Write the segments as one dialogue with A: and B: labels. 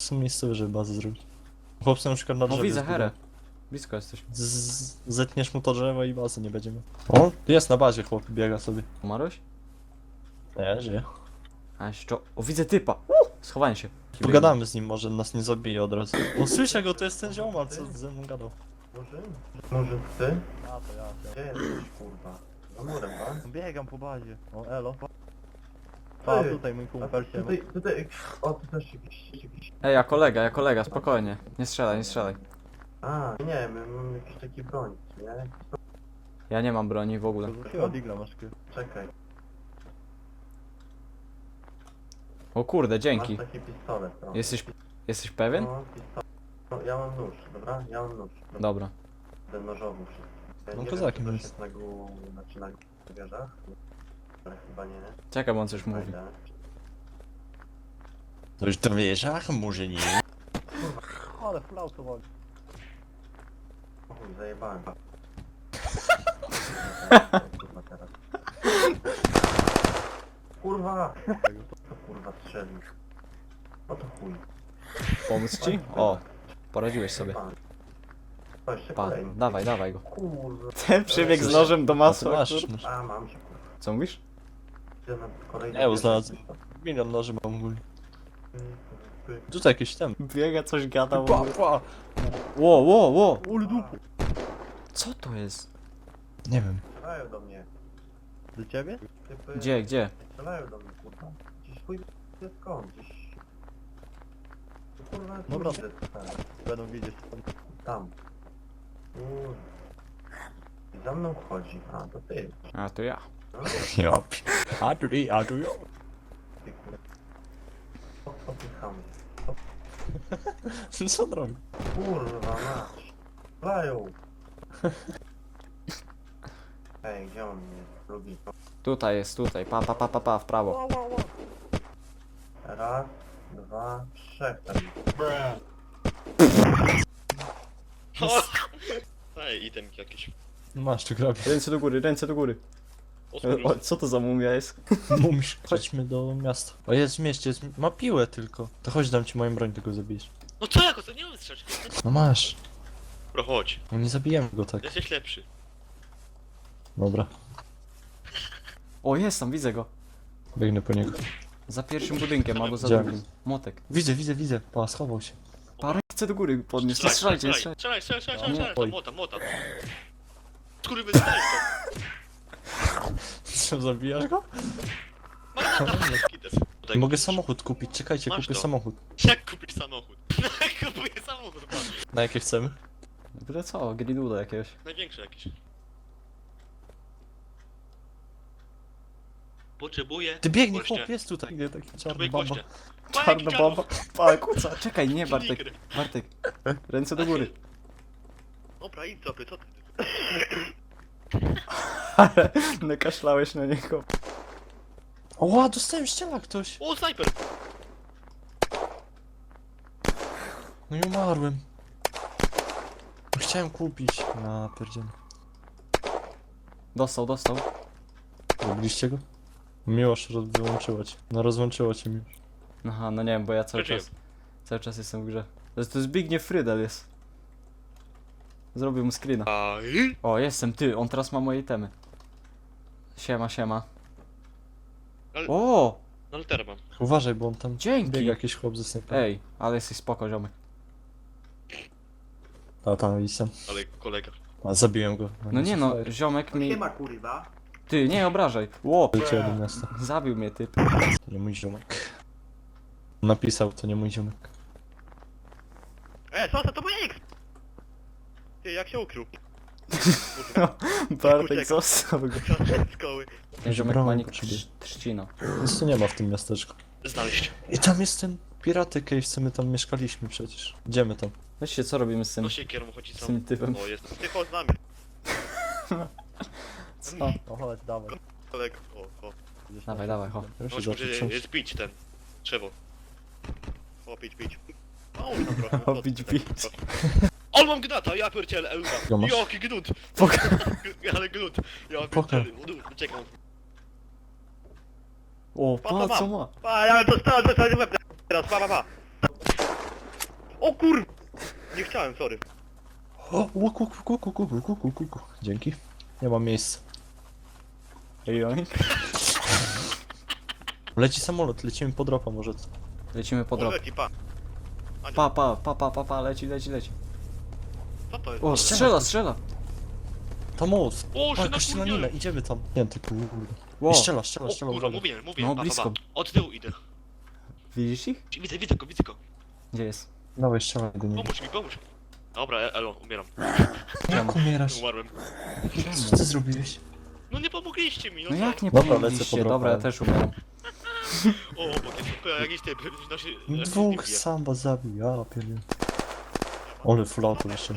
A: są miejscowe, żeby bazę zrobić. Chłopcy na przykład na
B: No
A: drzewie
B: widzę
A: zbudują.
B: herę. Blisko jesteś.
A: Zetniesz mu to drzewo i bazy nie będziemy. O, jest na bazie chłop, biega sobie.
B: Umarłeś?
A: Nie, żyje.
B: A jeszcze... O, widzę typa! Schowałem się.
A: Pogadamy z nim, może nas nie zabije od razu. O, słyszę go, to jest ten ziomal, co ze mną gadał.
C: Może ty?
D: A to ja.
C: Gdzie jesteś, kurwa? Za murem, tak?
D: Biegam po bazie. O, elo. A
C: Ty,
D: tutaj mój
C: a
D: kumpel się.
C: tutaj, o, tu też jakiś...
B: Ej, ja kolega, spokojnie. Nie strzelaj, nie strzelaj.
C: A, nie, my mamy jakiś taki broń, nie?
B: Ja nie mam broni w ogóle.
D: Chyba digla masz ty.
C: Czekaj,
B: O kurde, dzięki.
C: masz taki pistolet, no.
B: Jesteś pewien?
C: No, pistolet. No, ja mam nóż, dobra? Ja mam nóż.
B: Dobra.
C: Ten nożowy wszystko. Ja
A: No
C: nie
A: kozakiem
C: wiem, czy
A: jest.
C: to jest znaczy na wieżach? Ale chyba nie.
B: Czekaj, bo on coś mówi.
C: Znajdę.
A: To już to wiesz, ach, może nie.
D: Ale flauto woli.
C: O chuj, zajebałem. Kurwa teraz. Kurwa! To kurwa strzelił. O to chuj.
B: Pomóc ci? O, poradziłeś sobie.
C: Pan. To jeszcze
B: Pa,
C: kolejny.
B: dawaj go.
C: Kurwa.
B: Ten przybiegł z nożem do
A: A ty
B: masła.
A: masz,
B: kur-
A: masz.
C: A, mam się kurwa.
B: Co mówisz?
C: Idę na kolejny.
A: Nie, znalazłem. Milion noży mam ogólnie. Tutaj jakiś tam.
B: Biega, coś gadał.
A: Pa, pa.
B: Ło!
D: Ule dupu.
B: Co to jest?
A: Nie wiem.
C: Strzelają do mnie.
D: Do ciebie?
C: Typy...
B: Gdzie?
C: Strzelają do mnie, kurwa. Gdzieś chuj wie skąd, gdzieś... Kurwa, tu
D: Dobra.
C: idę, tam.
D: Będą widzieć.
C: Tam. Kurwa. I za mną chodzi. A, to ty.
B: A, to ja.
C: No,
A: Ja. A tu ja.
C: ty kurwa. Popycham.
A: Co on robi?
C: Kurwa, mać. Strzelają. Ej, gdzie on mnie lubi?
B: Tutaj jest, tutaj. Pa, w prawo.
C: Raz, dwa, trzech tam.
E: Ej, itemki jakieś.
A: No masz tu grabie.
B: Ręce do góry.
E: O, kurwa.
B: O, co to za mumia jest?
A: Mówisz. Chodźmy do miasta. O, jest w mieście, jest... ma piłę tylko. To chodź, dam ci moją broń, tylko zabijesz.
E: No co jako to nie mam strzelać?
A: No masz.
E: Bro, chodź.
A: No nie zabijemy go tak.
E: Jesteś lepszy.
A: Dobra.
B: O, jest tam, widzę go.
A: Biegnę po niego.
B: Za pierwszym budynkiem albo za
A: Gdzie?
B: drugim. Motek.
A: Widzę. Pa, schował się.
B: Parę chce do góry podnieść. Nie strzelajcie, nie strzelajcie.
E: Strzelaj.
A: Oj.
E: Mota. Skurwy, wydajesz to.
A: Co, zabijasz go?
E: Magnata. Kites. Tutaj
A: Mogę
E: kupisz.
A: samochód kupić, czekajcie,
E: Masz
A: kupię
E: to.
A: samochód.
E: Jak kupisz samochód? Kupuję samochód, pan.
A: Na jakie chcemy?
B: Byle co, griduda jakiegoś.
E: Największy jakiś. Potrzebuję.
A: Ty biegnij,
E: Gościa.
A: chłop, jest tutaj. Nie, taki czarny
E: Potrzebuję
A: bamba.
E: gościa.
B: Czarna baba. Pa, kuca. Czekaj, nie Bartek.
E: Nigry.
B: Bartek. Ręce do góry.
E: Dobra, idź sobie, co ty?
B: Ale nakaszlałeś na niego.
A: O, dostałem ściela ktoś.
E: O, snajper!
A: No i umarłem. Chciałem kupić. Na pierdziel.
B: Dostał.
A: Robiliście go? Miłosz wyłączyła cię. No rozłączyło cię Miłosz.
B: Aha, no nie wiem, bo ja cały
E: Przeżyłem.
B: czas jestem w grze. To jest Zbigniew Frydel jest. Zrobił mu screena.
E: Aj.
B: O, jestem ty, on teraz ma moje itemy. Siema.
E: Ale-
B: O!
E: No literę mam.
A: Uważaj, bo on tam
B: Dzięki.
A: biega jakiś chłop ze snajperem.
B: Ej, ale jesteś spoko, ziomek.
A: A tam idź tam.
E: Ale kolega.
A: A zabiłem go.
B: No nie no, ziomek mi...
C: ma kurwa.
B: Ty, nie obrażaj. Ło!
A: Leciał do miasta.
B: Zabił mnie typ.
A: To nie mój ziomek. Napisał, to nie mój ziomek.
E: To mój X! Ty, jak się ukrył?
B: Bartek został go.
E: Z szkoły.
B: Ten ziomek
A: Broń
B: ma nick
A: potrzebuję.
B: Trzcino.
A: Nic tu nie ma w tym miasteczku.
E: Znaleźć.
A: I tam jest ten piraty cave, co my tam mieszkaliśmy przecież. Idziemy tam.
B: Weźcie, co robimy z tym,
E: No siekierą chodzi
B: z
E: sam.
B: tym typem?
E: O, jest. Ty chodź z nami,
B: Co?
D: O, chodź, dawaj.
E: kolego. O.
D: Idziesz
B: Dawaj,
D: na-
B: dawaj, ho.
A: Proszę
E: Chodź,
A: zacząć
E: może
A: książkę.
E: jest pić ten. Drzewo. O, pić. O, tam trochę.
B: O, pić.
E: O, mam gnata, ja pierdzielę, Eura.
A: Go masz?
E: Jaki gnut. Ale gnut. Ja
A: Pokaż.
E: pierdzielę. Czekam.
B: O,
E: Pa,
B: pa, co ma?
E: Pa, ja dostałem łeb teraz, pa. O kur... Nie chciałem, sorry.
A: O, łuku. Dzięki. Nie mam miejsca. Leci samolot, lecimy po dropa może.
B: Lecimy po drop.
E: Leci, pa.
B: Pa, leci.
E: Co to jest?
B: O, strzela!
A: To most.
E: O, się
A: Jakaś
E: napierdzielę.
A: strzelanina, idziemy tam. Nie, ty kurde.
B: Wow.
A: I strzela,
E: O kurwa,
A: uwaga.
E: mówiłem,
B: No,
E: pa.
B: blisko.
E: Od tyłu idę.
B: Widzisz ich?
E: Widzę go.
B: Gdzie jest?
A: Dawaj, strzelaj do niego.
E: Pomóż mi. Dobra, elo, umieram.
A: Jak umierasz?
E: Umarłem.
A: Co ty zrobiłeś?
E: No nie pomogliście mi,
B: No
E: co?
B: jak nie
A: Dobra,
B: pomogliście?
A: lecę po dropa.
B: Dobra, ja też umieram.
E: O, bo tylko jakiś typ.
A: Dwóch samba zabił, ja pierdolę. Ole full auto jeszcze.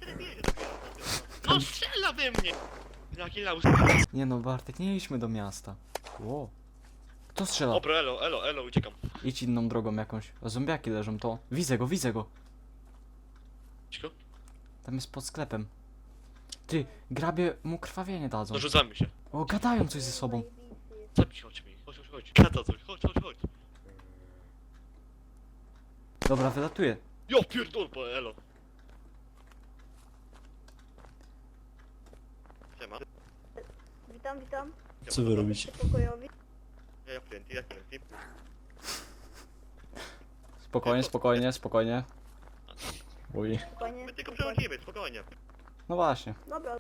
E: No strzela we mnie! Jaki laus.
B: Nie no, Bartek, nie idźmy do miasta. Wow. Kto strzela?
E: Dobra, elo, uciekam.
B: Idź inną drogą jakąś. A zombiaki leżą, to. Widzę go.
E: Cicho?
B: Tam jest pod sklepem. Ty, grabie mu krwawienie dadzą.
E: Dorzucamy się.
B: O, gadają coś ze sobą.
E: Chodź mi. Chodź. Gada coś, chodź.
B: Dobra, wylatuję.
E: Jo, pierdol, bo elo. Siema.
F: Witam.
A: Co wy robicie?
F: Pokojowi.
E: Ja klienty.
B: Spokojnie.
A: Uj.
F: Spokojnie.
E: My tylko przechodzimy, spokojnie.
B: No właśnie.
F: Dobra.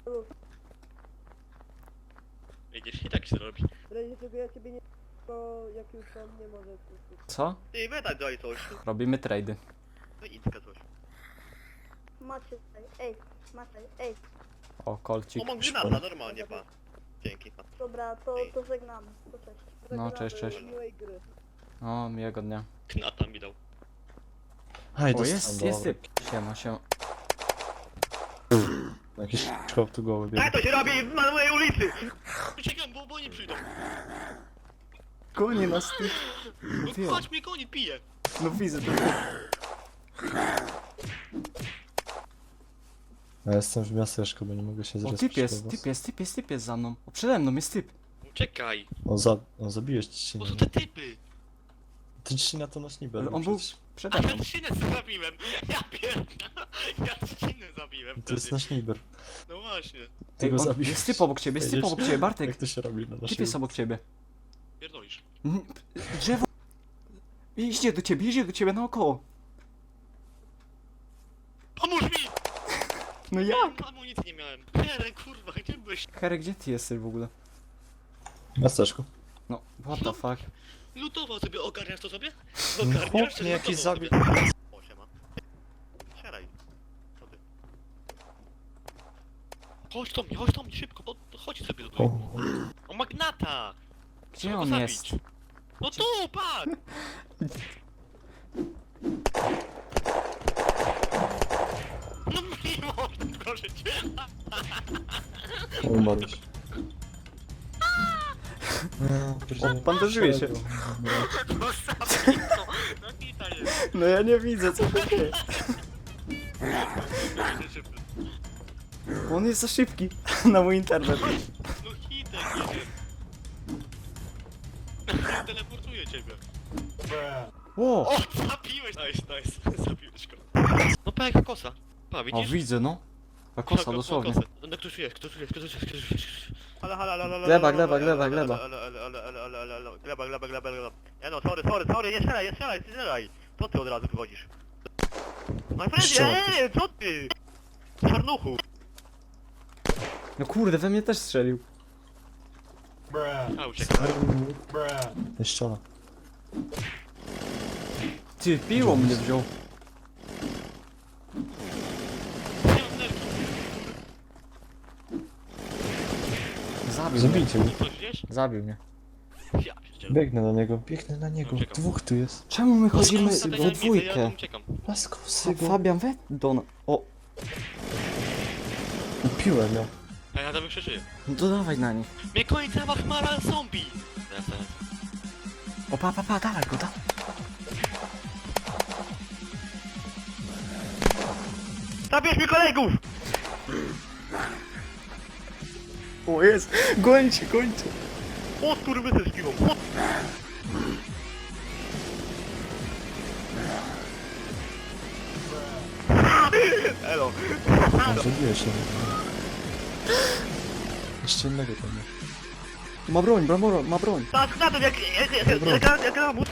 E: Widzisz, i tak się robi.
G: W razie czego ja ciebie nie... To jak już tam nie może...
B: Co?
E: Ty, wydać daj coś.
B: Robimy trady.
E: No idźka coś.
F: Macie tutaj. Ej.
B: O, kolcik.
E: O, mam granata, normalnie, pa. Dzięki.
F: Dobra, to żegnam. To cześć.
B: No, cześć.
G: Miłej gry.
B: O, miłego dnia.
E: Gnata mi dał.
A: Aj,
B: O, jest
A: dostałem,
B: typ. Siema.
A: Jakiś szkoł tu głowy biegł.
E: Tak to się robi na mojej ulicy! Uciekam, bo oni przyjdą.
B: Konie nas ty.
E: No chodź mnie koni, pije.
B: No widzę to.
A: Ja jestem w miasteczku, bo nie mogę się
B: O,
A: zrespić.
B: typ jest za mną. O, przede mną jest typ.
E: Czekaj,
A: O, zabiłeś
E: bo
A: Trzcinę.
E: są te typy.
A: Ty Trzcina to nasz niby.
B: Ale on był przede
E: A
B: mną.
E: ja trzcinę zabiłem. Ja pierdolę. Ja trzcinę zabiłem
A: To jest
E: wtedy.
A: nasz niber.
E: No właśnie.
A: Ty
B: Ej,
A: go
B: on,
A: zabiłeś.
B: jest typ obok ciebie, Bartek.
A: Jak to się robi na naszej
B: Typ jest obok ciebie.
E: Pierdolisz.
B: Drzewo. Idzie do ciebie naokoło.
E: Pomóż mi!
B: No jak?
E: Amunicji nie miałem. Nie, kurwa, gdzie byłeś?
B: Harry, gdzie ty jesteś w ogóle?
A: W miasteczku.
B: No, what the fuck?
E: Lutował sobie, ogarniasz to sobie?
A: No
E: Ogarniasz,
A: chłop
E: czy
A: mnie jakiś
E: lutował
A: zabił.
E: sobie? O, siema. Siadaj. Co ty? Chodź do mnie, szybko, chodź sobie tutaj. O, magnata!
B: Gdzie
E: Trzeba go
B: on
E: zabić.
B: jest?
E: No tu, patrz! No miło, proszę cię.
A: Umarłeś.
B: Bandażuje się.
E: No zabij to. No kita jest.
B: No ja nie widzę, co to dzieje. On jest za szybki na mój internet.
E: No hitek jedzie. Teleportuję ciebie.
B: Ło!
E: O, zabiłeś! Nice. Zabiłeś go. No pa, jaka kosa. Pa,
B: O,
E: widzisz?
B: widzę, no. Ta kosa, dosłownie.
E: No ktoś tu jest. Halo.
B: Gleba.
E: Gleba. Ja no, sorry, nie strzelaj. Co ty od razu wychodzisz? My friend,
A: Strzelaj.
E: co ty? Czarnuchu.
B: No kurde, we mnie też strzelił.
E: A, uciekaj.
A: Jeszcze ona.
B: Ty, piło mnie wziął.
E: Nie mam nerki.
B: Zabił mnie.
A: Zabijcie go.
E: Coś gdzieś?
B: Zabił mnie.
E: Ja pierdzielę.
A: Biegnę na niego.
E: Uciekam.
A: Dwóch tu jest.
B: Czemu my chodzimy
E: Ja
B: we dwójkę?
E: uciekam.
A: Laskowsy go.
B: Fabian, we do na... O,
A: Upiłem ją.
E: A ja tam jeszcze żyję.
B: no to dawaj na nich.
E: Mnie koni cała chmara zombie.
B: O, pa, dawaj go, dawaj.
E: Zabierz mi kolegów!
B: O, jest! Gońcie!
E: O, skurwysy z piwą. Elo.
A: No, zabiłeś się. Jeszcze innego tam nie.
B: Ma broń, ma broń.
E: Tak, na to jak ramus.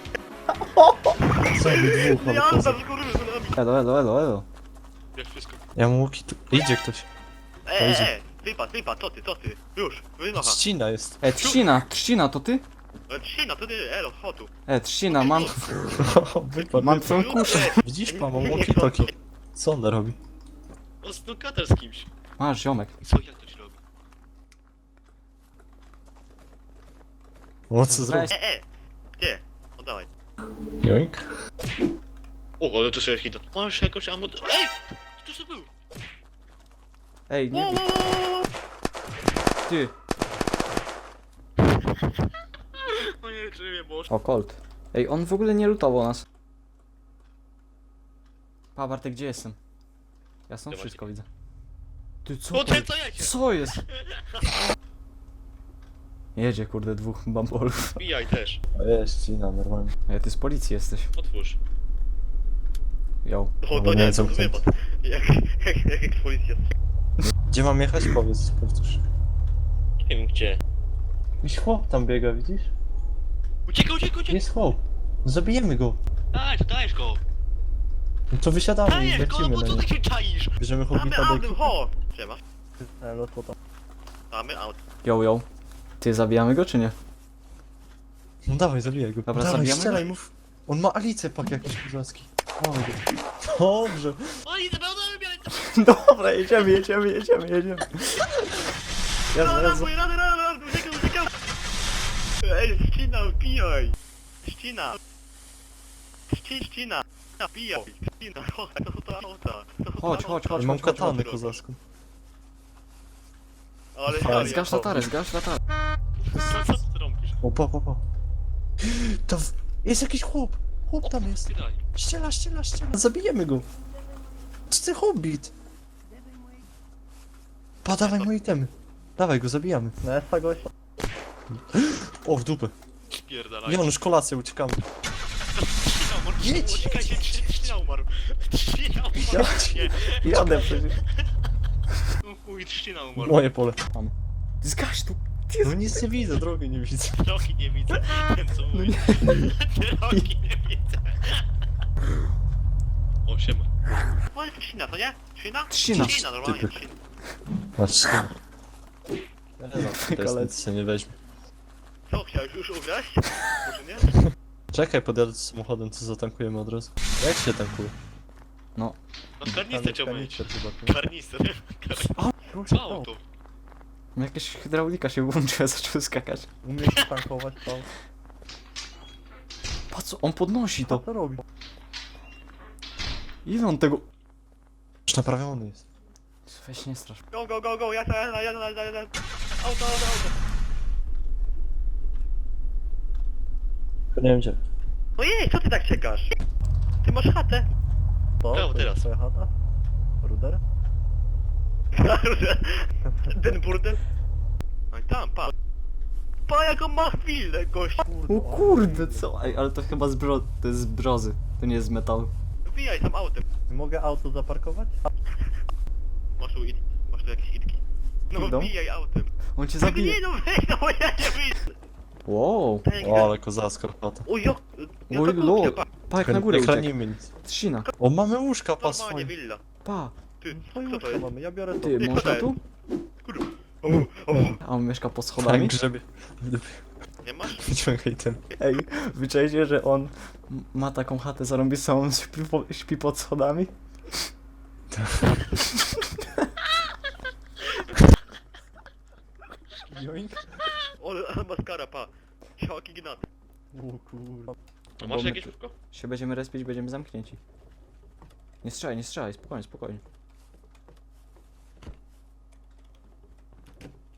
A: Zabił dwóch, ale
E: Ja
A: poza.
E: tam kurwy z nami.
B: Elo.
E: Wiesz wszystko.
A: Ja mu łuki tu... Idzie ktoś.
E: Wypad, co ty? Już, wymacha.
A: Trzcina jest.
B: Trzcina, to ty?
E: Trzcina, to ty, elo, chodź tu.
B: Trzcina,
A: Wypadł.
B: mam twoją kuszę.
A: Widzisz, mam walkie-talkie. Co on robi?
E: On snookater z kimś.
B: Masz, ziomek.
E: Co, jak to ci robi?
A: O, co zrobił?
E: Gdzie? Oddawaj.
A: Joink.
E: O, ale to sobie hita. Masz jakoś ammo... Ej! Co to był?
B: Ej, nie, ty.
E: O nie, czy mnie było.
B: O, Colt. Ej, on w ogóle nie lutował nas. Pa, Bartek, gdzie jestem? Ja stąd
E: Dawaj.
B: wszystko widzę. Ty, co
E: O,
B: to
E: ten co jedzie?
B: Co jest? Jedzie, kurde, dwóch bambolów.
E: Bijaj też.
A: O, jest trzcina, normalnie.
B: Ej, ty z policji jesteś.
E: Otwórz.
B: Yo.
E: O,
A: No,
E: to
A: nie
E: nie,
A: jest
E: to
A: zamknięte.
E: wypad. Jak policja.
A: Gdzie mam jechać? Powiedz, powtórz.
E: Nie wiem gdzie.
A: Jakiś chłop tam biega, widzisz?
E: Uciekaj!
A: Jest chłop. Zabijemy go.
E: Dajesz go!
A: No to wysiadamy i
E: Dajesz go,
A: lecimy
E: bo
A: na
E: co
A: niego.
E: ty się czaisz?
A: Bierzemy
E: Mamy
A: hobbita do
E: autem,
A: ekipy.
E: ho! Siema.
D: Elo, co tam?
E: Mamy auto.
B: Yo. Ty, zabijamy go, czy nie?
A: No dawaj, zabijaj go.
B: Dobra,
A: dawaj,
B: zabijamy
A: strzelaj,
B: go?
A: mów. On ma alicę pak jakiś kozacki. Mamy go. Dobrze.
E: O, i zabrał biorę.
B: Dobra, jedziemy. Jezu.
E: Rady, uciekam. Ej, ścina, pijaj. Ścina. Pijaj. Ścina, chodź, to auta.
B: Chodź.
A: Mam katanę kozacką.
E: Ale
A: Fajnie.
B: Zgasz latarę.
E: Co ty robisz?
A: O, pa. To jest jakiś chłop. Chłop tam jest.
E: Daj.
A: Ściela. Zabijemy go. To ty hobbit. Pa, dawaj moje itemy. Dawaj go, zabijamy.
D: No jest ta gościa.
A: O, w dupę.
E: Spierdalaj.
A: Janusz, kolację, uciekamy. Jedź.
E: Uciekajcie, Trzcina umarł. Trzcina umarł. Nie.
B: Jadę przecież.
E: Chuj, Trzcina umarł.
A: Moje pole.
B: Zgaś tu.
A: No nic nie widzę, drogi nie widzę.
E: Drogi nie widzę. Ten co mówi. Drogi nie widzę. O, siema. O, jest Trzcina, to nie? Trzcina?
B: Trzcina.
E: Normalnie
A: Typy.
E: Trzcina.
A: Masz Teraz nic się nie weźmie.
E: Co, chciałeś już ugrać? Może nie?
A: Czekaj, podjadę z samochodem, to zatankujemy od razu. Jak się tankuje?
E: No karnister chciał mieć.
D: Kanister chyba.
E: Karnister.
D: Rusz
E: Co
D: to.
E: auto?
B: Jakaś hydraulika się włączyła, zaczął skakać.
D: Umiesz tankować to.
B: Patrz, on podnosi
D: Co
B: to.
D: to robi?
B: Ile on tego...
A: Już naprawiony jest.
B: Weź nie strasz.
E: Go, jadę. Auto.
A: Nie wiem gdzie.
E: Ojej, co ty tak czekasz? Ty masz chatę.
D: To?
E: Brawo,
D: To
E: teraz.
D: jest twoja chata? Ruder?
E: Ten burdel? No i tam, pa. Pa, jaką ma chwilę, gość.
B: O kurde, co? Ej, ale to chyba to jest z brzozy. To nie jest z metalu.
E: Wbijaj tam autem.
D: Mogę auto zaparkować?
E: Masz tu jakieś idki. No
B: Idą?
E: wbijaj autem.
B: On cię
E: Nie,
B: zabije.
E: no weź, no bo ja nie wyjdę.
B: Wow.
A: O, ale kozacka chata.
E: O jo, ja
B: Oj,
E: to
B: lol.
E: kupię, pa.
B: Pa, jak na górę
A: Nie
B: uciekł.
A: chronimy nic.
B: Trzcina.
A: O, mamy łóżka, pas
E: Normalnie
A: swoje.
E: willa.
B: Pa.
E: Ty,
D: Twoje
E: co to
D: łóżko
E: jest?
D: mamy, ja biorę to.
B: Ty,
E: Ty,
B: można
E: kurde.
B: tu?
E: Kurwa.
B: A on mieszka pod
A: Tak,
B: schodami?
A: grzebie.
E: Nie masz?
A: Wyciągaj ten.
B: Ej, wyczajcie, że on ma taką chatę zarąbistą, on śpi pod schodami?
A: Joink.
E: Ale maskara, pa. Ciałki gnat.
D: O kurwa.
E: A
B: Bo
E: masz
B: my
E: jakieś
B: tu
E: łóżko?
B: się będziemy respić, będziemy zamknięci. Nie strzelaj, spokojnie.